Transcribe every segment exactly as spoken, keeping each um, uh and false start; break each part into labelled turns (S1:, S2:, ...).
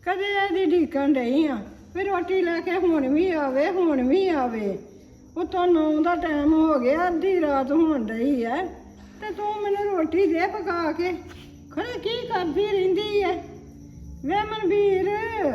S1: ਕਦੇ ਇਹਦੀ ਢੀਕਣ ਡਈ ਆ ਵੀ ਰੋਟੀ ਲੈ ਕੇ ਹੁਣ ਵੀ ਆਵੇ ਹੁਣ ਵੀ ਆਵੇ। ਉਤੋਂ ਨੌ ਦਾ ਟਾਈਮ ਹੋ ਗਿਆ, ਅੱਧੀ ਰਾਤ ਹੋਣ ਡਈ ਐ ਤੇ ਤੂੰ ਮੈਨੂੰ ਰੋਟੀ ਦੇ ਪਕਾ ਕੇ। ਖਰੇ ਕੀ ਕਰਦੀ ਰਹਿੰਦੀ ਐ ਵੇ ਮਨਵੀਰ?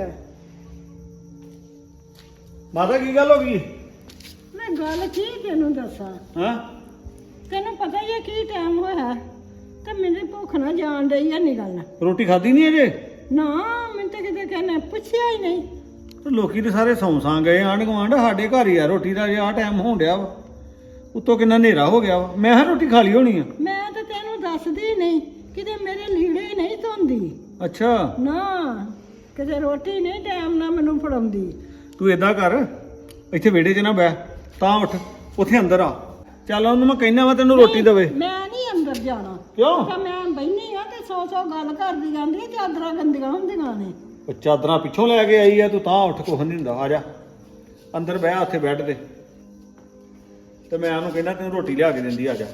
S2: ਮਾਤਾ ਕੀ ਗੱਲ ਹੋ ਗਈ?
S1: ਮੈਂ ਗੱਲ ਕੀ ਤੈਨੂੰ ਦੱਸਾਂ?
S2: ਹਾਂ
S1: ਤੈਨੂੰ ਪਤਾ ਹੀ ਹੈ ਕੀ ਟਾਈਮ ਹੋਇਆ ਤੇ ਮੈਨੂੰ ਭੁੱਖ ਨਾ ਜਾਣ ਡਈ ਐ ਨਿਕਲਣਾ।
S2: ਰੋਟੀ ਖਾਧੀ ਨਹੀਂ ਅਜੇ?
S1: ਨਾ ਮੈਨੂੰ ਤਾਂ ਕਿਤੇ ਕਹਿੰਦੇ ਪੁੱਛਿਆ ਹੀ ਨਹੀਂ।
S2: ਤੇ ਲੋਕੀ ਤੇ ਸਾਰੇ ਸੌਂ ਸਾਂ ਗਏ ਆਂਢ ਗੁਆਂਢ, ਸਾਡੇ ਘਰ ਹੀ ਆ ਰੋਟੀ ਦਾ ਜੇ ਆਹ ਟਾਈਮ ਹੋਣ ਡਿਆ ਵਾ। ਉੱਤੋਂ ਕਿੰਨਾ ਹਨੇਰਾ ਹੋ ਗਿਆ ਵਾ, ਮੈਂ ਹਾਂ ਰੋਟੀ ਖਾ ਲਈ ਹੋਣੀ ਆ।
S1: ਮੈਂ ਤਾਂ ਤੈਨੂੰ ਦੱਸਦੀ ਨਹੀਂ, ਕਿਤੇ ਮੇਰੇ ਲੀੜੇ ਨਹੀਂ ਧੋਂਦੀ।
S2: ਅੱਛਾ
S1: ਨਾ ਕਿਤੇ ਰੋਟੀ ਨਹੀਂ ਟਾਈਮ ਨਾਲ ਮੈਨੂੰ ਫੜਾਉਂਦੀ।
S2: ਤੂੰ ਏਦਾਂ ਕਰ, ਇੱਥੇ ਵਿਹੜੇ 'ਚ ਨਾ ਬਹਿ, ਤਾਂ ਉੱਠ ਉੱਥੇ ਅੰਦਰ ਆ। ਚੱਲ ਉਹਨੂੰ ਮੈਂ ਕਹਿਣਾ ਵਾ ਤੈਨੂੰ ਰੋਟੀ ਦੇਵੇ।
S1: ਮੈਂ ਨਹੀਂ ਅੰਦਰ ਜਾਣਾ।
S2: ਕਿਉਂ?
S1: ਤਾਂ ਮੈਂ ਬੈਠੀ ਆ ਤੇ ਸੌ ਸੌ ਗੱਲ ਕਰਦੀ ਜਾਂਦੀ, ਚਾਦਰਾਂ ਗੰਦੀਆਂ ਹੁੰਦੀਆਂ ਨੇ।
S2: ਉਹ ਚਾਦਰਾਂ ਪਿੱਛੋਂ ਲੈ ਕੇ ਆਈ ਆ ਤੂੰ, ਤਾਂ ਉੱਠ ਕੁਛ ਨਹੀਂ ਹੁੰਦਾ। ਆ ਜਾ ਅੰਦਰ ਬਹਿ ਉੱਥੇ ਬੈੱਡ ਤੇ, ਤੇ ਮੈਂ ਉਹਨੂੰ ਕਹਿੰਦਾ ਤੈਨੂੰ ਰੋਟੀ ਲਿਆ ਕੇ ਦਿੰਦੀ। ਆ ਜਾ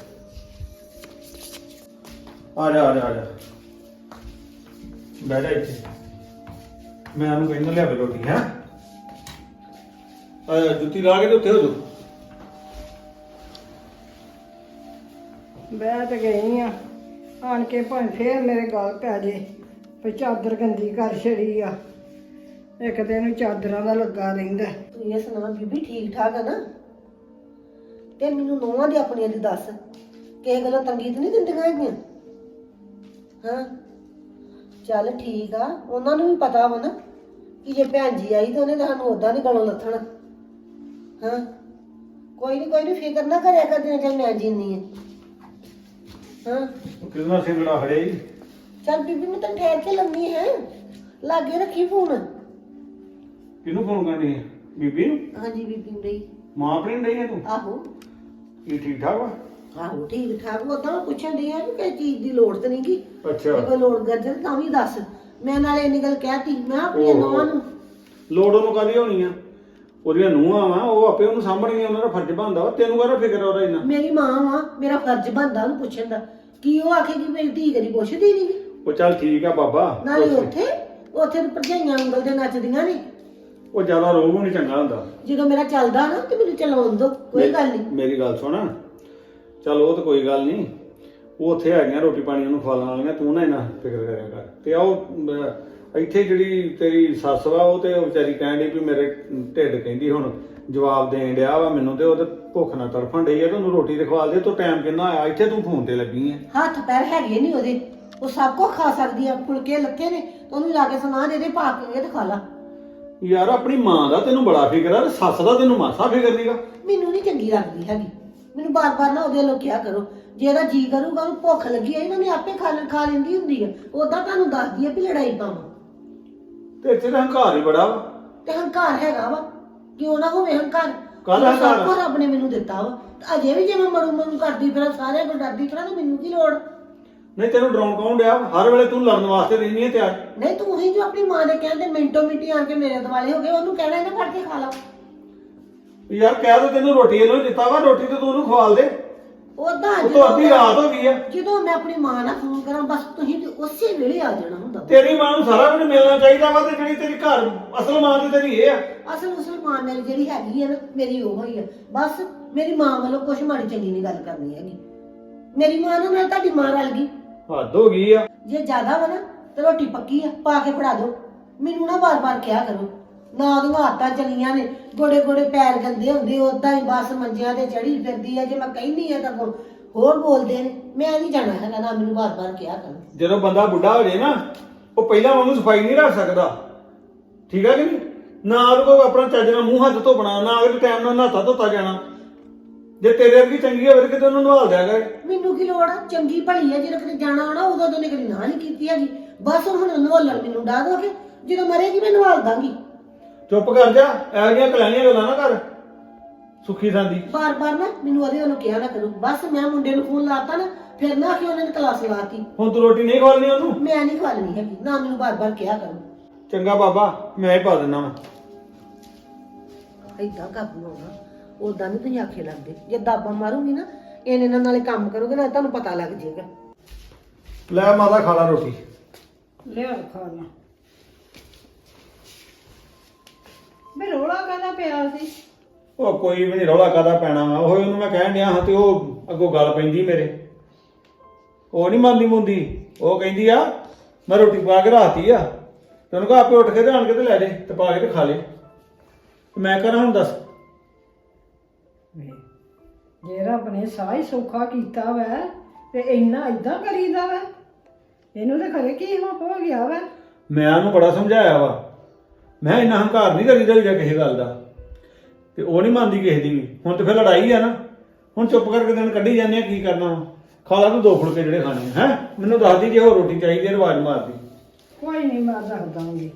S2: ਆ ਜਾ ਆ ਜਾ ਆ ਜਾ ਬਹਿ ਜਾ ਇੱਥੇ, ਮੈਂ ਉਹਨੂੰ ਕਹਿੰਦਾ ਲਿਆ ਕੇ ਰੋਟੀ। ਹੈ ਆ ਜੁੱਤੀ ਲਾ ਕੇ ਤੇ ਉੱਥੇ ਹੋ ਜਾ।
S1: ਬਹਿ ਤੇ ਗਈ ਆ, ਆਣ ਕੇ ਭਾਵੇਂ ਫੇਰ ਮੇਰੇ ਗਲ ਪੈ ਜੇ ਵੀ ਚਾਦਰ ਗੰਦੀ ਕਰ ਛੜੀ ਆ। ਇੱਕ ਦਿਨ ਨੂੰ ਚਾਦਰਾਂ ਦਾ ਲੱਗਾ ਰਹਿੰਦਾ।
S3: ਤੂੰ ਇਹ ਸੁਣਾ ਬੀਬੀ ਠੀਕ ਠਾਕ ਆ ਨਾ? ਤੇ ਮੈਨੂੰ ਨੋਹਾਂ ਦੀ ਆਪਣੀਆਂ ਦੀ ਦੱਸ, ਕਿਸੇ ਗੱਲੋਂ ਤੰਗੀ ਤਾਂ ਨਹੀਂ ਦਿੰਦੀਆਂ ਹੈਗੀਆਂ? ਹਾਂ ਚੱਲ ਠੀਕ ਆ, ਉਹਨਾਂ ਨੂੰ ਵੀ ਪਤਾ ਵਾ ਨਾ ਕਿ ਜੇ ਭੈਣ ਜੀ ਆਈ ਤਾਂ ਉਹਨੇ ਤਾਂ ਸਾਨੂੰ ਉਦਾਂ ਨਹੀਂ ਗਲੋਂ ਲੱਥਣਾ। ਹਾਂ ਕੋਈ ਨਹੀਂ ਕੋਈ ਨਹੀਂ ਫਿਕਰ ਨਾ ਕਰਿਆ ਕਰਦੀਆਂ, ਚੱਲ ਮੈਂ ਜੀਨੀ ਆ। ਹਾਂ
S2: ਕਿੰਨਾ ਸਿੰਗੜਾ ਖੜਿਆ ਜੀ।
S3: ਚੱਲ ਬੀਬੀ ਮੈਂ ਤੈਨੂੰ ਠਹਿਰ ਕੇ ਲੰਮੀ ਹੈ, ਲਾਗੇ ਰੱਖੀ ਫੋਨ।
S2: ਕਿਹਨੂੰ ਫੋਨ ਕਰਨੀ ਹੈ? ਬੀਬੀ ਨੂੰ?
S3: ਹਾਂਜੀ ਬੀਬੀ ਨੂੰ ਰਹੀ।
S2: ਮਾਂ ਆਪਣੀ ਨੂੰ ਡਈ ਹੈ ਤੂੰ?
S3: ਆਹੋ
S2: ਕੀ ਠੀਕ ਠਾਕ ਵਾ?
S3: ਆਹੋ ਠੀਕ ਠਾਕ। ਉਦਾਂ ਪੁੱਛਣ ਡਈ ਆ ਕਿ ਕਿਸੇ ਚੀਜ਼ ਦੀ ਲੋੜ ਤੇ ਨਹੀਂ ਗੀ।
S2: ਅੱਛਾ
S3: ਜੇ ਕੋਈ ਲੋੜ ਕਰਦੇ ਤਾਂ ਵੀ ਦੱਸ। ਮੈਂ ਨਾਲੇ ਇੰਨੀ ਗੱਲ ਕਹਿਤੀ, ਮੈਂ ਆਪਣੀਆਂ ਨੌਵਾਂ ਨੂੰ।
S2: ਲੋੜ ਉਹਨੂੰ ਕਾਹਦੀ ਹੋਣੀ ਆ? ਉਹਦੀਆਂ ਨੂੰਹਾਂ ਵਾ, ਉਹ ਆਪੇ ਉਹਨੂੰ ਸਾਂਭਣਗੀਆਂ, ਉਹਨਾਂ ਦਾ ਫਰਜ਼ ਬਣਦਾ ਵਾ। ਤੈਨੂੰ ਕਾਹਦਾ ਫਿਕਰ ਆ ਉਹਦਾ ਇੰਨਾ?
S3: ਮੇਰੀ ਮਾਂ ਵਾ, ਮੇਰਾ ਫਰਜ਼ ਬਣਦਾ ਉਹਨੂੰ ਪੁੱਛਣ ਦਾ। ਕੀ ਉਹ ਆਖੇਗੀ ਮੇਰੀ ਧੀ ਕਦੀ ਪੁੱਛਦੀ ਨਹੀਂ ਗੀ?
S2: ਉਹ ਚੱਲ ਠੀਕ ਆ ਬਾਬਾ।
S3: ਨਾਲੇ ਉੱਥੇ ਉੱਥੇ ਤਾਂ ਭਰਜਾਈਆਂ ਉਂਗਲ ਤੇ ਨੱਚਦੀਆਂ ਨੇ।
S2: ਉਹ ਜ਼ਿਆਦਾ ਰੋਗ ਨਹੀਂ ਚੰਗਾ ਹੁੰਦਾ।
S3: ਜਦੋਂ ਮੇਰਾ ਚੱਲਦਾ ਨਾ ਤੇ ਮੈਨੂੰ ਚਲਾਉਣ ਦੋ, ਕੋਈ ਗੱਲ ਨਹੀਂ।
S2: ਮੇਰੀ ਗੱਲ ਸੁਣ, ਚੱਲ ਉਹ ਤਾਂ ਕੋਈ ਗੱਲ ਨਹੀਂ, ਉਹ ਉੱਥੇ ਹੈਗੀਆਂ ਰੋਟੀ ਪਾਣੀ ਉਹਨੂੰ ਖਵਾਉਣ ਵਾਲੀਆਂ, ਤੂੰ ਨਾ ਇੰਨਾ ਫਿਕਰ ਕਰਿਆ ਕਰ। ਤੇ ਆ ਉਹ ਇੱਥੇ ਜਿਹੜੀ ਤੇਰੀ ਸੱਸ ਵਾ, ਉਹ ਤੇ ਉਹ ਵਿਚਾਰੀ ਕਹਿਣ ਡਈ ਵੀ ਮੇਰੇ ਢਿੱਡ ਕਹਿੰਦੀ ਹੁਣ ਜਵਾਬ ਦੇਣ ਡਿਆ ਵਾ ਮੈਨੂੰ, ਤੇ ਉਹ ਤੇ ਭੁੱਖ ਨਾਲ ਤੜਫਣ ਡਈ ਆ, ਤੇ ਉਹਨੂੰ ਰੋਟੀ ਤੇ ਖਵਾ ਦੇ। ਤੂੰ ਟਾਈਮ ਕਿੰਨਾ ਆਇਆ, ਇੱਥੇ ਤੂੰ ਫੋਨ ਤੇ ਲੱਗੀ ਆ।
S3: ਹੱਥ ਪੈਰ ਹੈਗੇ ਨਹੀਂ ਉਹਦੇ, ਉਹ ਸਭ ਕੁਝ ਖਾ ਸਕਦੀ ਆ। ਫੁਲਕੇ ਲੱਥੇ ਨੇ ਤਾਂ ਉਹਨੂੰ ਲਾ ਕੇ ਸੁਣਾ ਦੇ ਦੇ, ਪਾ ਕੇ ਤੇ ਖਾ ਲਾ।
S2: ਯਾਰ ਆਪਣੀ ਮਾਂ ਦਾ ਤੈਨੂੰ ਬੜਾ ਫਿਕਰ ਆ, ਸੱਸ ਦਾ ਤੈਨੂੰ ਮਾਸਾ ਫਿਕਰ ਨਹੀਂਗਾ।
S3: ਮੈਨੂੰ ਨਹੀਂ ਚੰਗੀ ਲੱਗਦੀ ਹੈਗੀ। ਮੈਨੂੰ ਬਾਰ-ਬਾਰ ਨਾ ਉਹਦੇ ਲੋਕ ਕਿਹਾ ਕਰੋ, ਜੇ ਇਹਦਾ ਜੀ ਕਰੂਗਾ ਉਹਨੂੰ ਭੁੱਖ ਲੱਗੀ ਆ ਇਹਨਾਂ ਨੇ ਆਪੇ ਖਾ ਲੈ ਖਾ ਲੈਂਦੀ ਹੁੰਦੀ ਆ। ਉਦਾਂ ਤੁਹਾਨੂੰ ਦੱਸਦੀ ਆ ਵੀ ਲੜਾਈ ਪਾਵਾਂ
S2: ਤੇ ਇੱਥੇ ਤਾਂ ਹੰਕਾਰ ਹੀ ਬੜਾ ਵਾ।
S3: ਤੇ ਹੰਕਾਰ ਹੈਗਾ ਵਾ, ਕਿਉਂ ਨਾ ਹੋਵੇ ਹੰਕਾਰ।
S2: ਕਾਹਦਾ ਹੰਕਾਰ?
S3: ਸਭ ਕੁਝ ਰੱਬ ਨੇ ਮੈਨੂੰ ਦਿੱਤਾ ਵਾ, ਤੇ ਅਜੇ ਵੀ ਜੇ ਮੈਂ ਮਰੂ ਮਰੂ ਕਰਦੀ ਫਿਰ ਸਾਰਿਆਂ ਕੋਲ ਡਰਦੀ ਫਿਰਾਂ ਤਾਂ ਮੈਨੂੰ ਕੀ ਲੋੜ?
S2: ਨਹੀਂ ਤੈਨੂੰ ਡਰਾਉਣ ਕੌਣ ਡਿਆ? ਹਰ ਵੇਲੇ ਤੂੰ ਲੜਨ ਵਾਸਤੇ ਰਹਿੰਦੀ ਹੈ ਤਿਆਰ।
S3: ਨਹੀਂ ਤੂੰ ਹੀ ਜੋ ਆਪਣੀ ਮਾਂ ਦੇ ਕਹਿੰਦੇ ਮਿੰਟੋ ਮਿੰਟੀ ਆ ਕੇ ਮੇਰੇ ਦੁਆਲੇ ਹੋ ਗਏ, ਉਹਨੂੰ ਕਹਿਣਾ ਇਹਨਾਂ ਫੜ ਕੇ ਖਾ ਲਾ।
S2: ਯਾਰ ਕਹਿ ਦੋ ਤੈਨੂੰ ਰੋਟੀ ਇਹਨੂੰ ਦਿੱਤਾ ਵਾ, ਰੋਟੀ ਤੇ ਤੂੰ ਉਹਨੂੰ ਖਵਾਲ ਦੇ।
S3: ਉਦਾਂ
S2: ਉਹ ਤੋਂ ਅੱਧੀ ਰਾਤ ਹੋ ਗਈ ਆ।
S3: ਜਦੋਂ ਮੈਂ ਆਪਣੀ ਮਾਂ ਨਾਲ ਫੋਨ ਕਰਾਂ ਬਸ ਤੁਸੀਂ ਤੇ ਉਸੇ ਵੇਲੇ ਆ ਜਾਣਾ ਹੁੰਦਾ।
S2: ਤੇਰੀ ਮਾਂ ਨੂੰ ਸਾਰਾ ਕੁਝ ਮਿਲਣਾ ਚਾਹੀਦਾ ਵਾ, ਤੇ ਜਿਹੜੀ ਤੇਰੀ ਘਰ ਅਸਲ ਮਾਂ ਦੀ ਤੇਰੀ ਇਹ ਆ।
S3: ਅਸਲ ਉਸਲ ਮਾਂ ਮੇਰੀ ਜਿਹੜੀ ਹੈਗੀ ਆ ਨਾ, ਮੇਰੀ ਉਹ ਹੀ ਆ। ਬਸ ਮੇਰੀ ਮਾਂ ਵੱਲੋਂ ਕੁਛ ਮਾੜੀ ਚੰਗੀ ਨਹੀਂ ਗੱਲ ਕਰਨੀ ਹੈਗੀ। ਮੇਰੀ ਮਾਂ ਨਾਲ ਨਾਲ ਤੁਹਾਡੀ ਮਾਂ ਰਲ ਗਈ,
S2: ਹੱਦ ਹੋ ਗਈ ਆ।
S3: ਜੇ ਜ਼ਿਆਦਾ ਵਾ ਨਾ ਤੇ ਰੋਟੀ ਪੱਕੀ ਆ, ਪਾ ਕੇ ਫੜਾ ਦਿਓ। ਮੈਨੂੰ ਨਾ ਬਾਰ-ਬਾਰ ਕਿਹਾ ਕਰੋ, ਨਾ ਉਹਦੀਆਂ ਆਦਤਾਂ ਚਲੀਆਂ ਨੇ, ਗੋੜੇ ਗੋੜੇ ਪੈਰ ਗੰਦੇ ਹੁੰਦੇ, ਉਦਾਂ ਹੀ ਬਸ ਮੰਜਿਆਂ ਤੇ ਚੜੀ ਫਿਰਦੀ ਆ। ਜੇ ਮੈਂ ਕਹਿੰਦੀ ਆ ਤਾਂ ਹੋਰ ਬੋਲਦੇ ਨੇ। ਮੈਂ ਨਹੀਂ ਜਾਣਾ ਹੈਗਾ, ਨਾ ਮੈਨੂੰ ਬਾਰ-ਬਾਰ ਕਿਹਾ ਕਰੋ।
S2: ਜਦੋਂ ਬੰਦਾ ਬੁੱਢਾ ਹੋ ਜਾਏ ਨਾ, ਉਹ ਪਹਿਲਾਂ ਵਾਂਗੂ ਸਫਾਈ ਨਹੀਂ ਰੱਖ ਸਕਦਾ, ਠੀਕ ਆ ਕਿ ਨਹੀਂ? ਨਾ ਉਹਦੇ ਕੋਲ ਆਪਣਾ ਚੱਜ ਨਾਲ ਮੂੰਹ ਹੱਥ ਧੋਣਾ, ਨਾ ਅਗਲੇ ਟਾਈਮ ਨਾਲ ਨਹਾਤਾ ਧੋਤਾ ਜਾਣਾ। ਜੇ ਤੇਰੇ ਵਰਗੀ ਚੰਗੀ ਹੋਵੇ ਕਿਤੇ ਉਹਨੂੰ ਨਵਾਲ ਦਿਆ ਕਰ।
S3: ਮੈਨੂੰ ਕੀ ਲੋੜ ਆ? ਚੰਗੀ ਭਲੀ ਆ, ਜਦੋਂ ਕਿਤੇ ਜਾਣਾ ਹੋਣਾ ਉਦੋਂ ਤੋਂ ਕਦੀ ਨਾ ਨਹੀਂ ਕੀਤੀ ਹੈਗੀ। ਬਸ ਹੁਣ ਨਵਾਲਣ ਮੈਨੂੰ ਡਾਹ ਦੋਗੇ, ਜਦੋਂ ਮਰੇਗੀ ਮੈਂ ਨਵਾਲ ਦਾਂਗੀ।
S2: ਚੁੱਪ ਕਰ ਜਾ, ਇਹੋ ਜਿਹੀਆਂ ਕਲਾਈਆਂ ਗੱਲਾਂ ਨਾ ਕਰ ਸੁੱਖੀ ਸਾਂਦੀ।
S3: ਬਾਰ-ਬਾਰ ਨਾ ਮੈਨੂੰ ਉਹਦੇ ਵੱਲੋਂ ਕਿਹਾ ਨਾ ਕਰੋ। ਬਸ ਮੈਂ ਮੁੰਡੇ ਨੂੰ ਫੋਨ ਲਾਤਾ ਨਾ, ਫਿਰ ਨਾ ਕਿ ਉਹਨਾਂ ਨੇ ਕਲਾਸ ਲਾਤੀ।
S2: ਹੁਣ ਤੂੰ ਰੋਟੀ ਨਹੀਂ ਖਵਾਲਣੀ ਉਹਨੂੰ?
S3: ਮੈਂ ਨਹੀਂ ਖਵਾਲਣੀ ਹੈਗੀ, ਨਾ ਮੈਨੂੰ ਬਾਰ-ਬਾਰ ਕਿਹਾ ਕਰੋ।
S2: ਚੰਗਾ ਬਾਬਾ, ਮੈਂ ਹੀ ਪਾ ਦਿੰਦਾ ਵਾ।
S3: ਏਦਾਂ ਕਾਬੂ ਹੋਣਾ, ਉਦਾਂ ਨਹੀਂ ਤੁਸੀਂ ਆਖੇ ਲੱਗਦੇ। ਜੇ ਦਾਬਾ ਮਾਰੂਗੀ ਨਾ ਇਹਨੇ ਨਾਲ ਨਾਲੇ ਕੰਮ ਕਰੋਗੇ ਨਾ, ਤੁਹਾਨੂੰ ਪਤਾ ਲੱਗ ਜਾਏਗਾ।
S2: ਲੈ ਮਾਤਾ ਖਾ ਲਾ ਰੋਟੀ।
S1: ਲਿਆ ਖਾ ਲਾ। ਵੀ ਰੋਲਾ ਕਾਹਦਾ ਪਿਆ ਸੀ?
S2: ਉਹ ਕੋਈ ਵੀ ਨਹੀਂ ਰੌਲਾ ਕਾਹਦਾ ਪੈਣਾ ਵਾ, ਉਹ ਉਹਨੂੰ ਮੈਂ ਕਹਿਣ ਡਿਆ ਹਾਂ ਤੇ ਉਹ ਅੱਗੋਂ ਗੱਲ ਪੈਂਦੀ ਮੇਰੇ। ਉਹ ਨਹੀਂ ਮੰਨਦੀ ਮੁੰਦੀ, ਉਹ ਕਹਿੰਦੀ ਆ ਮੈਂ ਰੋਟੀ ਪਾ ਕੇ ਰਾਤੀ ਆ ਤੇ ਉਹਨੂੰ ਕਹਾ ਆਪੇ ਉੱਠ ਕੇ ਤੇ ਆਣ ਕੇ ਤੇ ਲੈ ਜੇ ਤੇ ਪਾ ਕੇ ਤੇ ਖਾ ਲੇ। ਮੈਂ ਕਰਾਂ ਹੁਣ ਦੱਸ।
S1: ਜੇ ਰੱਬ ਨੇ ਸਾਹ ਹੀ ਸੌਖਾ ਕੀਤਾ ਵੈ ਤੇ ਇੰਨਾ ਇਦਾਂ ਕਰੀਦਾ ਵੈ? ਇਹਨੂੰ ਤੇ ਖਰੇ ਕੀ ਹੋ ਹੋ ਗਿਆ ਵੈ?
S2: ਮੈਂ ਉਹਨੂੰ ਬੜਾ ਸਮਝਾਇਆ ਵਾ, ਮੈਂ ਇੰਨਾ ਹੰਕਾਰ ਨਹੀਂ ਕਰੀਦਾ ਜਾਂ ਕਿਸੇ ਗੱਲ ਦਾ, ਤੇ ਉਹ ਨਹੀਂ ਮੰਨਦੀ ਕਿਸੇ ਦੀ ਵੀ। ਹੁਣ ਤੇ ਫਿਰ ਲੜਾਈ ਆ ਨਾ, ਹੁਣ ਚੁੱਪ ਕਰਕੇ ਦਿਨ ਕੱਢੀ ਜਾਂਦੇ ਆ, ਕੀ ਕਰਨਾ ਵਾ। ਖਾ ਲਾ ਤੂੰ ਦੋ ਫੁਲਕੇ ਜਿਹੜੇ ਖਾਣੇ ਹੈ। ਮੈਨੂੰ ਦੱਸਦੀ ਜੇ ਹੋਰ ਰੋਟੀ ਚਾਹੀਦੀ ਹੈ ਆਵਾਜ਼ ਮਾਰਦੀ।
S1: ਕੋਈ ਨਹੀਂ, ਮੈਂ ਦੱਸ ਦਾਂਗੀ।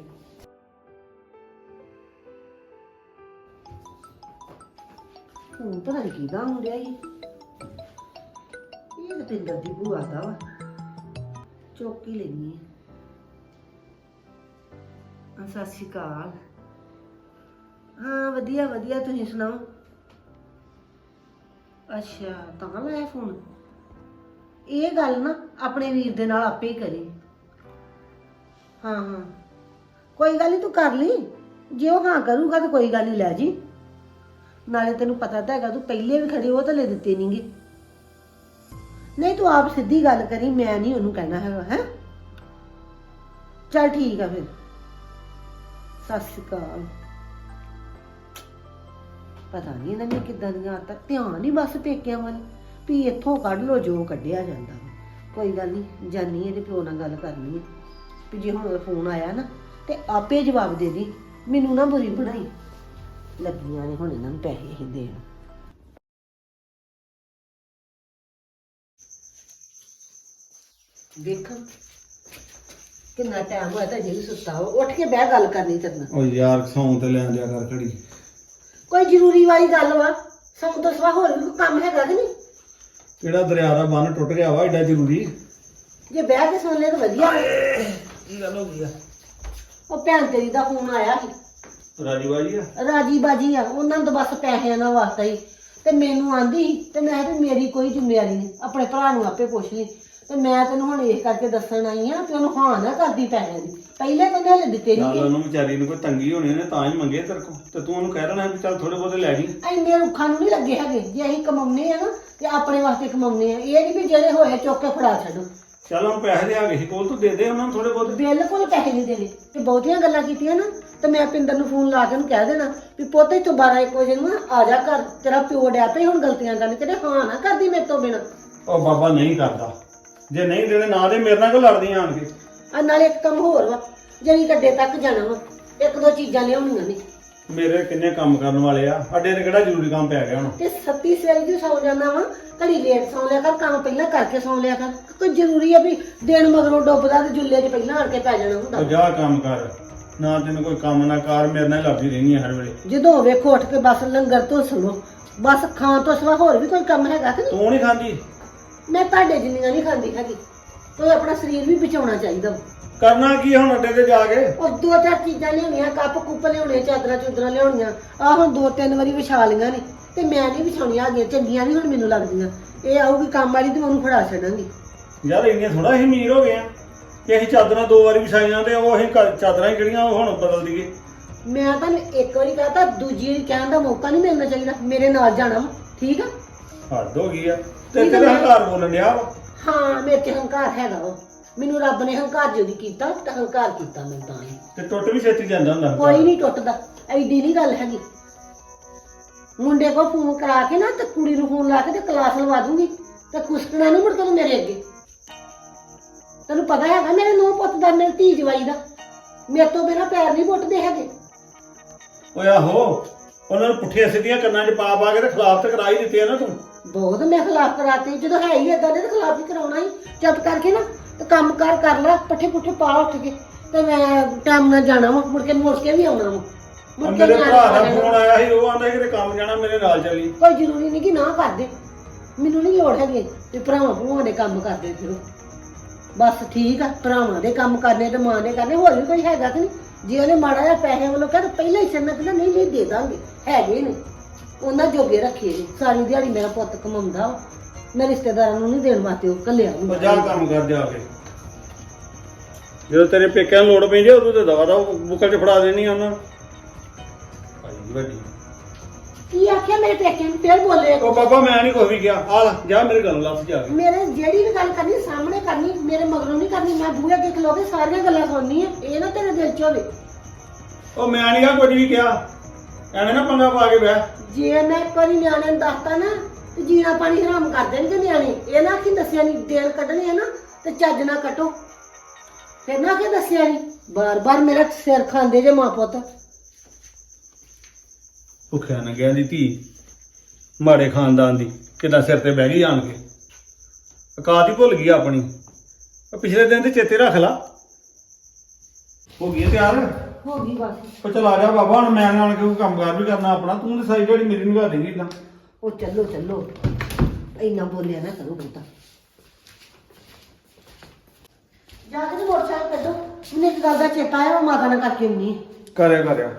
S3: ਹੁਣ ਪਤਾ ਨਹੀਂ ਕਿਹਦਾ ਹੁੰਦਿਆ ਹੀ ਇਹ ਤਾਂ ਪਿੰਦਰ ਦੀ ਭੂਆ ਦਾ ਵਾ। ਚੌਕੀ ਲੈਣੀ ਆ। ਸਤਿ ਸ਼੍ਰੀ ਅਕਾਲ। ਹਾਂ ਵਧੀਆ ਵਧੀਆ, ਤੁਸੀਂ ਸੁਣਾਓ? ਅੱਛਾ ਤਾਂ ਲਾਇਆ ਫੋਨ। ਇਹ ਗੱਲ ਨਾ ਆਪਣੇ ਵੀਰ ਦੇ ਨਾਲ ਆਪੇ ਹੀ ਕਰੀ। ਹਾਂ ਹਾਂ ਕੋਈ ਗੱਲ ਨਹੀਂ, ਤੂੰ ਕਰ ਲਈ। ਜੇ ਉਹ ਹਾਂ ਕਰੂਗਾ ਤਾਂ ਕੋਈ ਗੱਲ ਨਹੀਂ, ਲੈ ਜੀ। ਨਾਲੇ ਤੈਨੂੰ ਪਤਾ ਤਾਂ ਹੈਗਾ ਤੂੰ ਪਹਿਲੇ ਵੀ ਖੜੇ, ਉਹ ਤਾਂ ਲੈ ਦਿੱਤੇ ਨਹੀਂਗੇ। ਨਹੀਂ ਤੂੰ ਆਪ ਸਿੱਧੀ ਗੱਲ ਕਰੀ, ਮੈਂ ਨਹੀਂ ਉਹਨੂੰ ਕਹਿਣਾ ਹੈਗਾ। ਹੈ ਚੱਲ ਠੀਕ ਆ ਫਿਰ। ਸਤਿ ਸ਼੍ਰੀ ਅਕਾਲ। ਪਤਾ ਨਹੀਂ ਇਹਨਾਂ ਨੇ ਕਿੱਦਾਂ ਦੀਆਂ ਆਦਤਾਂ, ਧਿਆਨ ਹੀ ਬਸ ਪੇਕਿਆਂ ਵੱਲ ਵੀ ਇੱਥੋਂ ਕੱਢ ਲੋ ਜੋ ਕੱਢਿਆ ਜਾਂਦਾ। ਕੋਈ ਗੱਲ ਨਹੀਂ, ਜਾਨੀ ਇਹਦੇ ਪਿਓ ਨਾਲ ਗੱਲ ਕਰਨੀ ਹੈ ਵੀ ਜੇ ਹੁਣ ਫੋਨ ਆਇਆ ਨਾ ਤੇ ਆਪੇ ਜਵਾਬ ਦੇ ਦੀ, ਮੈਨੂੰ ਨਾ ਬੁਰੀ ਬਣਾਈ। ਲੱਗੀਆਂ ਨੇ ਹੁਣ ਇਹਨਾਂ ਨੂੰ ਪੈਸੇ ਹੀ ਦੇਣ। ਦੇਖ ਕਿੰਨਾ ਟਾਈਮ ਹੋਇਆ ਤਾਂ ਜਿਹੜੀ ਸੁੱਤਾ ਵਾ। ਉੱਠ ਕੇ ਬਹਿ, ਗੱਲ ਕਰਨੀ ਤੇਰੇ ਨਾਲ।
S2: ਉਹ ਯਾਰ ਸੌਂ ਤੇ ਲੈਣ ਦਿਆ ਕਰ ਖੜੀ।
S3: ਕੋਈ ਜ਼ਰੂਰੀ ਵਾਲੀ ਗੱਲ ਵਾ, ਸੌਂ ਤੋਂ ਸਿਵਾ ਹੋਰ ਵੀ ਕੋਈ ਕੰਮ ਹੈਗਾ ਕਿ ਨਹੀਂ?
S2: ਕਿਹੜਾ ਦਰਿਆ ਦਾ ਬੰਨ ਟੁੱਟ ਗਿਆ ਵਾ ਏਡਾ ਜ਼ਰੂਰੀ?
S3: ਜੇ ਬਹਿ ਕੇ ਸੁਣ ਲੈ ਤਾਂ ਵਧੀਆ।
S2: ਕੀ ਗੱਲ ਹੋ ਗਈ ਆ?
S3: ਉਹ ਭੈਣ ਤੇਰੀ ਦਾ ਫੋਨ ਆਇਆ ਸੀ।
S2: ਰਾਜੀ ਬਾਜੀ ਆ?
S3: ਰਾਜੀ ਬਾਜੀ ਆ, ਉਹਨਾਂ ਨੂੰ ਤਾਂ ਬਸ ਪੈਸਿਆਂ ਦਾ ਵਾਸਤਾ ਹੀ। ਤੇ ਮੈਨੂੰ ਆਂਦੀ ਸੀ ਤੇ ਮੈਂ ਤੇ ਮੇਰੀ ਕੋਈ ਜ਼ਿੰਮੇਵਾਰੀ ਨਹੀਂ, ਆਪਣੇ ਭਰਾ ਨੂੰ ਆਪੇ ਪੁੱਛ ਲਈ। ਤੇ ਮੈਂ ਤੈਨੂੰ ਹੁਣ ਇਸ ਕਰਕੇ ਦੱਸਣ ਆਈ ਆ ਕਿ ਉਹਨੂੰ ਹਾਂ ਨਾ ਕਰਦੀ ਪੈਸਿਆਂ ਦੀ। ਪਹਿਲੇ ਤਾਂ ਹਲੇ ਦਿੱਤੇ
S2: ਚੱਲ
S3: ਨਹੀਂ।
S2: ਉਹਨੂੰ ਵਿਚਾਰੀ ਨੂੰ ਕੋਈ ਤੰਗੀ ਹੋਣੀ ਉਹਨੇ ਤਾਂ ਹੀ ਮੰਗੇ ਤੇਰੇ ਕੋਲ, ਤੇ ਤੂੰ ਉਹਨੂੰ ਕਹਿ ਦੇਣਾ ਵੀ ਚੱਲ ਥੋੜੇ ਬਹੁਤੇ ਲੈ ਜੀ।
S3: ਇੰਨੇ ਰੁੱਖਾਂ ਨੂੰ ਨਹੀਂ ਲੱਗੇ ਹੈਗੇ। ਜੇ ਅਸੀਂ ਕਮਾਉਨੇ ਆ ਨਾ ਤੇ ਆਪਣੇ ਵਾਸਤੇ ਕਮਾਉਨੇ ਆ, ਇਹ ਨਹੀਂ ਵੀ ਜਿਹੜੇ ਹੋਏ ਚੁੱਕ ਕੇ ਫੜਾ ਛੱਡੋ।
S2: ਚੱਲ ਹੁਣ ਪੈਸੇ ਦੇ ਆ ਗਏ ਸੀ ਕੋਲ, ਤੂੰ ਦੇ ਦੇ ਉਹਨਾਂ ਨੂੰ ਥੋੜੇ ਬਹੁਤੇ।
S3: ਬਿਲਕੁਲ ਪੈਸੇ ਨਹੀਂ ਦੇਣੇ। ਤੇ ਬਹੁਤੀਆਂ ਗੱਲਾਂ ਕੀਤੀਆਂ ਨਾ ਤੇ ਮੈਂ ਪਿੰਦਰ ਨੂੰ ਫੋਨ ਲਾ ਕੇ ਉਹਨੂੰ ਕਹਿ ਦੇਣਾ ਵੀ ਪੁੱਤ ਇੱਥੋਂ ਬਾਰਾਂ ਇੱਕ ਵਜੇ ਨੂੰ ਆ ਜਾ ਘਰ, ਤੇਰਾ ਪਿਓ ਡਿਆ ਪਿਆ ਹੁਣ ਗਲਤੀਆਂ ਕਰਨ, ਤੇਰੇ ਹਾਂ ਨਾ ਕਰਦੀ ਮੇਰੇ ਤੋਂ ਬਿਨਾਂ।
S2: ਉਹ ਬਾਬਾ ਨਹੀਂ ਕਰਦਾ, ਜੇ ਨਹੀਂ ਦੇਣੇ ਨਾ ਦੇ, ਮੇਰੇ ਨਾਲ ਕਿਉਂ ਲੜਦੀਆਂ ਆਣ ਕੇ?
S3: ਆ ਨਾਲੇ ਇੱਕ ਕੰਮ ਹੋਰ ਵਾ, ਜਿਹੜੀ ਗੱਡੇ ਤੱਕ ਜਾਣਾ ਵਾ, ਇੱਕ ਦੋ ਚੀਜ਼ਾਂ ਲਿਆਉਣੀਆਂ ਨੇ।
S2: ਮੇਰੇ ਕਿੰਨੇ ਕੰਮ ਕਰਨ ਵਾਲੇ ਆ, ਅੱਡੇ ਤੇ ਕਿਹੜਾ ਜ਼ਰੂਰੀ ਕੰਮ ਪੈ ਗਿਆ ਹੁਣ?
S3: ਤੇ ਸੱਤੀ ਸਵੇਰੇ ਦੀ ਸੌ ਜਾਣਾ ਵਾ, ਘੜੀ ਲੇਟ ਸੌ ਲਿਆ ਕਰ, ਕੰਮ ਪਹਿਲਾਂ ਕਰਕੇ ਸੌ ਲਿਆ ਕਰ। ਕੋਈ ਜ਼ਰੂਰੀ ਆ ਵੀ ਦਿਨ ਮਗਰੋਂ ਡੁੱਬਦਾ ਤੇ ਜੁੱਲੇ 'ਚ ਪਹਿਲਾਂ ਆਣ ਕੇ ਪੈ ਜਾਣਾ ਹੁੰਦਾ।
S2: ਉਹ ਜਾ ਕੰਮ ਕਰ, ਨਾ ਤੈਨੂੰ ਕੋਈ ਕੰਮ ਨਾ ਕਰ, ਮੇਰੇ ਨਾਲ ਲੜਦੀ ਰਹਿੰਦੀ ਆ ਹਰ ਵੇਲੇ।
S3: ਜਦੋਂ ਵੇਖੋ ਉੱਠ ਕੇ ਬਸ ਲੰਗਰ ਤੋਂ ਸੁਣੋ, ਬਸ ਖਾਣ ਤੋਂ ਸਿਵਾ ਹੋਰ ਵੀ ਕੋਈ ਕੰਮ ਹੈਗਾ ਕਿ ਨਹੀਂ?
S2: ਤੂੰ ਨਹੀਂ ਖਾਂਦੀ?
S3: ਮੈਂ ਤੁਹਾਡੇ ਜਿੰਨੀਆਂ ਨਹੀਂ ਖਾਂਦੀ ਹੈਗੀ। ਕੋਈ ਆਪਣਾ ਸਰੀਰ ਵੀ ਬਚਾਉਣਾ ਚਾਹੀਦਾ ਵਾ।
S2: ਕਰਨਾ ਕੀ ਹੁਣ ਅੱਡੇ ਤੇ ਜਾ ਕੇ?
S3: ਉਹ ਦੋ ਚਾਰ ਚੀਜ਼ਾਂ ਲਿਆਉਣੀਆਂ, ਕੱਪ ਕੁੱਪ ਲਿਆਉਣੇ, ਚਾਦਰਾਂ ਚੁਦਰਾਂ ਲਿਆਉਣੀਆਂ। ਆਹ ਹੁਣ ਦੋ ਤਿੰਨ ਵਾਰੀ ਵਿਛਾ ਲਈਆਂ ਨੇ ਤੇ ਮੈਂ ਨਹੀਂ ਵਿਛਾਉਣੀਆਂ ਹੈਗੀਆਂ, ਚੰਗੀਆਂ ਨਹੀਂ ਹੁਣ ਮੈਨੂੰ ਲੱਗਦੀਆਂ। ਇਹ ਆਊਗੀ ਕੰਮ ਵਾਲੀ ਤੇ ਉਹਨੂੰ ਫੜਾ ਛੱਡਾਂਗੀ।
S2: ਯਾਰ ਇੰਨੀਆਂ ਥੋੜਾ ਅਸੀਂ ਅਮੀਰ ਹੋ ਗਏ ਆ ਕਿ ਅਸੀਂ ਚਾਦਰਾਂ ਦੋ ਵਾਰੀ ਵਿਛਾਈਆਂ ਤੇ ਉਹ ਅਸੀਂ ਘਰ- ਚਾਦਰਾਂ ਹੀ ਕਿਹੜੀਆਂ ਉਹ ਹੁਣ ਬਦਲ ਦਈਏ।
S3: ਮੈਂ ਤੁਹਾਨੂੰ ਇੱਕ ਵਾਰੀ ਕਹਤਾ, ਦੂਜੀ ਵਾਰੀ ਕਹਿਣ ਦਾ ਮੌਕਾ ਨਹੀਂ ਮਿਲਣਾ ਚਾਹੀਦਾ। ਮੇਰੇ ਨਾਲ ਜਾਣਾ ਵਾ, ਠੀਕ ਆ?
S2: ਹੱਦ ਹੋ ਗਈ ਆ ਤੇ ਤੇਰੇ ਹੰਕਾਰ ਬੋਲਣ ਡਿਆ ਵਾ।
S3: ਹਾਂ ਮੇਰੇ 'ਚ ਹੰਕਾਰ ਹੈਗਾ ਵਾ। ਮੈਨੂੰ ਰੱਬ ਨੇ ਹੰਕਾਰ ਜਦੋਂ ਕੀਤਾ ਤਾਂ ਹੰਕਾਰ ਕੀਤਾ ਮੈਂ ਤਾਂ ਹੀ।
S2: ਤੇ ਟੁੱਟ ਵੀ ਛੇਤੀ ਜਾਂਦਾ ਹੁੰਦਾ
S3: ਕੋਈ ਨਹੀਂ ਟੁੱਟਦਾ, ਐਡੀ ਨਹੀਂ ਗੱਲ ਹੈਗੀ। ਮੁੰਡੇ ਕੋਲ ਫੋਨ ਕਰਾ ਕੇ ਨਾ ਤੇ ਕੁੜੀ ਨੂੰ ਫੋਨ ਲਾ ਕੇ ਤੇ ਕਲਾਸ ਲਵਾ ਦੂੰਗੀ ਤੇ ਕੁਸਕਣਾ ਨੂੰ ਮੁੜ ਕੇ ਮੇਰੇ ਅੱਗੇ। ਤੈਨੂੰ ਪਤਾ ਹੈਗਾ ਮੇਰੇ ਨੂੰਹ ਪੁੱਤ ਦਾ, ਮੇਰੇ ਧੀ ਜਵਾਈ ਦਾ, ਮੇਰੇ ਤੋਂ ਬਿਨਾਂ ਪੈਰ ਨਹੀਂ ਪੁੱਟਦੇ ਹੈਗੇ।
S2: ਓਏ ਆਹੋ, ਉਹਨਾਂ ਨੂੰ ਪੁੱਠੀਆਂ ਸਿੱਧੀਆਂ ਕੰਨਾਂ 'ਚ ਪਾ ਪਾ ਕੇ ਤੇ ਖਿਲਾਫ ਤੇ ਕਰਾ ਹੀ ਦਿੱਤੇ ਆ ਨਾ ਤੂੰ।
S3: ਬਹੁਤ ਮੈਂ ਖਿਲਾਫ ਕਰਾਤੇ, ਜਦੋਂ ਹੈ ਹੀ ਏਦਾਂ ਦੇ ਤੇ ਖਿਲਾਫ ਹੀ ਕਰਾਉਣਾ ਹੀ। ਚੁੱਪ ਕਰਕੇ ਨਾ ਤੇ ਕੰਮ ਕਾਰ ਕਰ ਲੈ, ਪੱਠੇ ਪੁੱਠੇ ਪਾ ਉੱਠ ਕੇ ਤੇ ਮੈਂ ਟਾਈਮ ਨਾਲ ਜਾਣਾ ਵਾ, ਮੁੜ ਕੇ ਮੁੜ ਕੇ ਵੀ ਆਉਣਾ ਵਾ। ਮੁੜ ਕੇ
S2: ਮੇਰੇ
S3: ਵੀ
S2: ਭਰਾ ਦਾ
S3: ਆਉਣਾ।
S2: ਫੋਨ ਆਇਆ ਸੀ, ਉਹ ਆਂਦਾ ਕਿਤੇ ਕੰਮ ਜਾਣਾ, ਮੇਰੇ ਨਾਲ ਚੱਲੀ।
S3: ਕੋਈ ਜ਼ਰੂਰੀ ਨਹੀਂ ਕਿ ਨਾ ਕਰਦੇ, ਮੈਨੂੰ ਨਹੀਂ ਲੋੜ ਹੈਗੀ ਤੇ ਭਰਾਵਾਂ ਭਰਾਵਾਂ ਦੇ ਕੰਮ ਕਰਦੇ ਫਿਰੋ। ਬਸ ਠੀਕ ਆ, ਭਰਾਵਾਂ ਦੇ ਕੰਮ ਕਰਨੇ ਤੇ ਮਾਂ ਦੇ ਕਰਨੇ, ਹੋਰ ਵੀ ਕੋਈ ਹੈਗਾ ਕਿ ਨਹੀਂ? ਜੇ ਉਹਨੇ ਮਾੜਾ ਜਿਹਾ ਪੈਸੇ ਵੱਲੋਂ ਕਹਿ ਤਾਂ ਪਹਿਲਾਂ ਹੀ ਛੱਡਣਾ ਕਹਿੰਦਾ ਨਹੀਂ ਨਹੀਂ ਦੇ ਦਾਂਗੇ, ਹੈਗੇ ਨੇ ਉਹਨਾਂ ਜੋਗੇ ਰੱਖੇ ਨੇ। ਸਾਰੀ ਦਿਹਾੜੀ ਮੇਰਾ ਪੁੱਤ ਕਮਾਉਂਦਾ ਵਾ, ਮੈਂ ਰਿਸ਼ਤੇਦਾਰਾਂ ਨੂੰ ਨਹੀਂ ਦੇਣ ਵਾਸਤੇ ਉਹ ਘੱਲਿਆ
S2: ਉਹ ਜਾ ਕੰਮ ਕਰ ਜਾ ਕੇ। ਜਦੋਂ ਤੇਰੇ ਪੇਕਿਆਂ ਨੂੰ ਲੋੜ ਪੈਂਦੀ ਉਦੋਂ ਤੇ ਦਵਾ ਦਾ ਬੁੱਕਲ 'ਚ ਫੜਾ ਦੇਣੀ ਉਹਨਾਂ ਨੂੰ। ਗਈ ਵੱਡੀ।
S3: ਕੀ ਆਖਿਆ ਮੇਰੇ ਪੇਕੇ ਨੂੰ ਫੇਰ ਬੋਲੇ
S2: ਉਹ ਬਾਬਾ ਮੈਂ ਨਹੀਂ ਕੋਈ ਵੀ ਕਿਹਾ। ਆ ਲੈ ਜਾ ਮੇਰੇ ਗੱਲ ਲੱਭ ਜਾ ਕੇ।
S3: ਮੇਰੇ ਜਿਹੜੀ ਵੀ ਗੱਲ ਕਰਨੀ ਸਾਹਮਣੇ ਕਰਨੀ, ਮੇਰੇ ਮਗਰੋਂ ਨਹੀਂ ਕਰਨੀ। ਮੈਂ ਬੂਹੇ ਅੱਗੇ ਖਲੋ ਕੇ ਸਾਰੀਆਂ ਗੱਲਾਂ ਸੁਣਨੀ ਆ, ਇਹ ਨਾ ਤੇਰੇ ਦਿਲ 'ਚ ਹੋਵੇ।
S2: ਉਹ ਮੈਂ ਨਹੀਂ ਆ ਕੁਝ ਵੀ ਕਿਹਾ, ਐਵੇਂ ਨਾ ਪੰਗਾ ਪਾ ਕੇ ਬਹਿ।
S3: ਜੇ ਮੈਂ ਇੱਕ ਵਾਰੀ ਨਿਆਣੇ ਨੂੰ ਦੱਸਤਾ ਨਾ ਤੇ ਜੀਣਾ ਪਾਣੀ ਹਰਾਮ ਕਰ ਦੇਣਗੇ ਨਿਆਣੇ। ਇਹ ਨਾ ਕਿ ਦੱਸਿਆ ਨਹੀਂ, ਦੇਣ ਕੱਢਣੇ ਆ ਨਾ ਤੇ ਚੱਜ ਨਾ ਕੱਟੋ। ਫਿਰ ਨਾ ਕਿ ਦੱਸਿਆ ਨਹੀਂ, ਬਾਰ-ਬਾਰ ਮੇਰਾ ਸਿਰ ਖਾਂਦੇ ਜੇ ਮਾਂ ਪੁੱਤ।
S2: ਭੁੱਖਿਆ ਨੰਗਿਆ ਦੀ ਧੀ, ਮਾੜੇ ਖਾਨਦਾਨ ਦੀ, ਕਿਦਾਂ ਸਿਰ ਤੇ ਬਹਿ ਗਈ ਆਣ ਕੇ। ਔਕਾਤ ਹੀ ਭੁੱਲ ਗਈ ਆਪਣੀ। ਉਹ ਪਿਛਲੇ ਦਿਨ ਤੇ ਚੇਤੇ ਰੱਖ ਲਾ। ਹੋ ਗਈ ਹੈ ਤਿਆਰ?
S3: ਹੋ ਗਈ ਬਸ।
S2: ਉਹ ਚਲ ਆ ਜਾ ਬਾਬਾ, ਹੁਣ ਮੈਂ ਆਣ ਕੇ ਕੋਈ ਕੰਮਕਾਰ ਵੀ ਕਰਨਾ ਆਪਣਾ। ਤੂੰ ਤੇ ਸਾਰੀ ਜਿਹੜੀ ਮੇਰੀ ਨਿਭਾ ਦੇਂਗੀ ਇਦਾਂ।
S3: ਉਹ ਚੱਲੋ ਚੱਲੋ, ਇੰਨਾ ਬੋਲਿਆ ਨਾ ਕਰੋ ਬਹੁਤਾ। ਜਾ ਕੇ ਤੇ ਮੋਟਰਸਾਈਕਲ ਕੱਢੋ। ਮੈਨੂੰ ਇੱਕ ਗੱਲ ਦਾ ਚੇਤਾ ਆਇਆ, ਉਹ ਮਾਤਾ ਨਾਲ ਕਰਕੇ ਆਉਣੀ।
S2: ਕਰਿਆ ਕਰਿਆ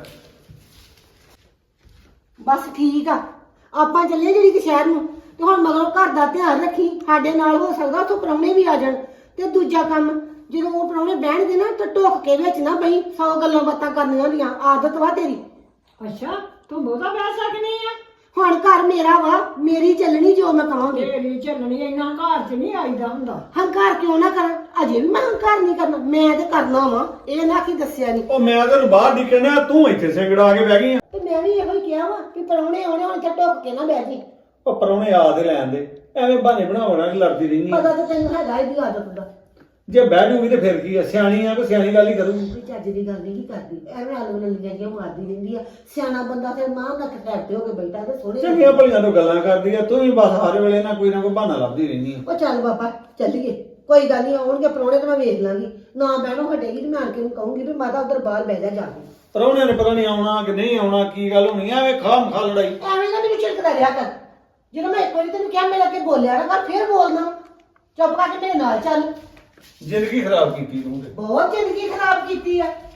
S3: ਬਸ ਠੀਕ ਆ। ਆਪਾਂ ਚੱਲੇ ਜਿਹੜੀ ਕਿ ਸ਼ਹਿਰ ਨੂੰ, ਤੇ ਹੁਣ ਮਗਰੋਂ ਘਰ ਦਾ ਧਿਆਨ ਰੱਖੀ। ਸਾਡੇ ਨਾਲ ਹੋ ਸਕਦਾ ਉੱਥੋਂ ਪ੍ਰਾਹੁਣੇ ਵੀ ਆ ਜਾਣ। ਤੇ ਦੂਜਾ ਕੰਮ, ਜਦੋਂ ਉਹ ਪ੍ਰਾਹੁਣੇ ਬਹਿਣਗੇ ਨਾ ਤਾਂ ਢੁੱਕ ਕੇ ਵਿੱਚ ਨਾ ਬਈ, ਸੌ ਗੱਲਾਂ ਬਾਤਾਂ ਕਰਨੀਆਂ ਹੁੰਦੀਆਂ। ਆਦਤ ਵਾ ਤੇਰੀ।
S1: ਅੱਛਾ ਤੂੰ ਬਹੁਤਾ ਬਹਿ ਸਕਦੀ ਆ?
S3: ਹੁਣ ਘਰ ਮੇਰਾ ਵਾ, ਮੇਰੀ ਚੱਲਣੀ ਜੋ ਮੈਂ ਕਹਾਂਗੀ।
S1: ਤੇਰੀ ਚੱਲਣੀ ਇੰਨਾ ਘਰ 'ਚ ਨਹੀਂ ਆਈਦਾ ਹੁੰਦਾ।
S3: ਹੰਕਾਰ ਕਿਉਂ ਨਾ ਕਰਾਂ? ਅਜੇ ਵੀ ਮੈਂ ਹੰਕਾਰ ਨਹੀਂ ਕਰਨਾ, ਮੈਂ ਤੇ ਕਰਨਾ ਵਾ। ਇਹ ਨਾ ਕੀ ਦੱਸਿਆ ਨਹੀਂ।
S2: ਉਹ ਮੈਂ ਤੈਨੂੰ ਬਾਹਰ ਨਿਕਲਣਾ, ਤੂੰ ਇੱਥੇ ਸਿੰਗੜਾ ਕੇ ਬਹਿ ਗਈ ਆ।
S3: ਤੇ ਮੈਂ ਵੀ ਇਹੋ ਹੀ ਕਿਹਾ ਵਾ ਕਿ ਪ੍ਰਾਹੁਣੇ ਆਉਣੇ, ਹੁਣ ਇੱਥੇ ਢੁੱਕ ਕੇ ਨਾ ਬਹਿ ਜੀ।
S2: ਉਹ ਪਰੋਣੇ ਆ ਤੇ ਲੈਣ ਦੇ, ਐਵੇਂ ਬਹਾਨੇ ਬਣਾਉਣਾ ਕਿ ਲੜਦੀ ਰਹਿੰਦੀ ਆ।
S3: ਪਤਾ ਤਾਂ ਤੈਨੂੰ ਹੈਗਾ ਇਹਦੀ ਆਦਤ ਦਾ।
S2: ਜੇ ਬਹਿ ਜੂਗੀ ਤੇ ਫਿਰ ਕੀ ਆ, ਸਿਆਣੀ ਆ, ਕੋਈ ਸਿਆਣੀ ਗੱਲ ਹੀ ਕਰੂਗੀ।
S3: ਕੋਈ ਚੱਜ ਦੀ ਗੱਲ ਨਹੀਂ ਕਰਦੀ, ਐਵੇਂ ਆਲੂ ਨਲੀਆਂ ਜਿਹੀਆਂ ਮਾਰਦੀ ਰਹਿੰਦੀ ਆ। ਸਿਆਣਾ ਬੰਦਾ ਫਿਰ ਮਾਂ ਦਾ ਖਟੈਟ ਹੋ ਕੇ ਬੈਠਾ ਤੇ ਸੋਹਣੇ।
S2: ਚੰਗੀਆਂ ਭਲੀਆਂ ਤੋਂ ਗੱਲਾਂ ਕਰਦੀ ਆ, ਤੂੰ ਵੀ ਬਸ ਹਰ ਵੇਲੇ ਨਾ ਕੋਈ ਨਾ ਕੋਈ ਬਹਾਨਾ ਲੱਭਦੀ ਰਹਿੰਦੀ ਆ।
S3: ਉਹ ਚੱਲ ਬਾਬਾ ਚੱਲੀਏ, ਕੋਈ ਗੱਲ ਨਹੀਂ। ਆਉਣਗੇ ਪ੍ਰਾਹੁਣੇ ਤੇ ਮੈਂ ਵੇਖ ਲਾਂਗੀ। ਨਾ ਬਹਿਣੋਂ ਹਟੇਗੀ ਤੇ ਮੈਂ ਆਣ ਕੇ ਉਹਨੂੰ ਕਹੂੰਗੀ ਵੀ ਮਾਤਾ ਉਧਰ ਬਾਹਰ ਬਹਿ ਜਾ ਜਾ ਕੇ।
S2: ਪਰੋਣਿਆਂ ਨੇ ਪਤਾ ਨਹੀਂ ਆਉਣਾ ਕਿ ਨਹੀਂ ਆਉਣਾ, ਕੀ ਗੱਲ ਹੋਣੀ ਐਵੇਂ ਖਾਮ ਖਾ ਲੜਾਈ।
S3: ਐਵੇਂ ਨਾ ਮੈਨੂੰ ਝਿੜਕਦਾ ਰਿਹਾ ਕਰ। ਜਦੋਂ ਮੈਂ ਇੱਕ ਵਾਰੀ ਤੈਨੂੰ ਕਿਹਾ ਮੇਰੇ ਅੱਗੇ ਬੋਲਿਆ ਨਾ ਕਰ, ਫੇਰ ਬੋਲਣਾ। ਚੁੱਪ ਕਰਕੇ ਮੇਰੇ ਨਾਲ ਚੱਲ।
S2: ਜ਼ਿੰਦਗੀ ਖਰਾਬ ਕੀਤੀ ਤੂੰ ਤੇ।
S3: ਬਹੁਤ ਜ਼ਿੰਦਗੀ ਖਰਾਬ ਕੀਤੀ ਆ।